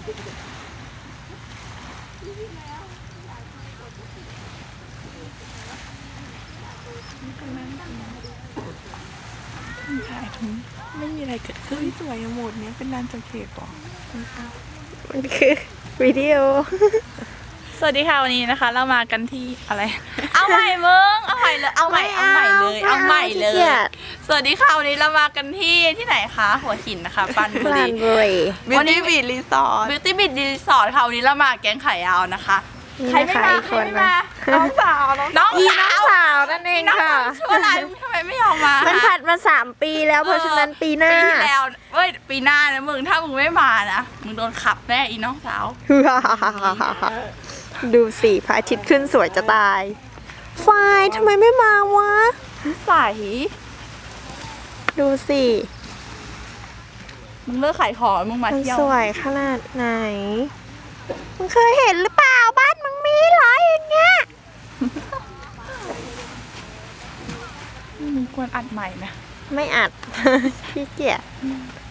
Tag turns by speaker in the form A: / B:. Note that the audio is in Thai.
A: ถ่ายทุนไม่มีอะไรเกิดขึ้นสวยหมดเนี้ยเป็นลานจอดรถหรอ
B: มันคือวิดีโอ
A: สวัสดีค่ะวันนี้นะคะเรามากันที่อะไรเอาใหม่มึงเอาใหม่เลยเอาใหม่เลยสวัสดีค่ะวันนี้เรามากันที่ไหนคะหัวหินนะคะปรานบุรี
B: วันนี้
A: บีชรีสอร์ทค่ะวันนี้เรามาแก๊งไข่ยาวนะคะใครไม่มาน้องสาว
B: นั่นเองค่ะ
A: ชื่ออะไรทำไมไม่ยอมมา
B: มันผัดมา3 ปีแล้วเพราะฉะนั้นปีหน้า
A: แล้วปีหน้านะมึงถ้ามึงไม่มานะมึงโดนขับแน่อีน้องสาว
B: ดูสิพระอาทิตย์ขึ้นสวยจะตายไฟทำไมไม่มาวะ
A: ใส
B: ดูสิ
A: มึงเลิกขายของมึงมาเที่ยว
B: สวยขนาดไหนมึงเคยเห็นหรือเปล่าบ้านมึงมีเหรออย่างเงี้ย
A: มึงควรอัดใหม่นะ
B: ไม่อัดขี้เกียจ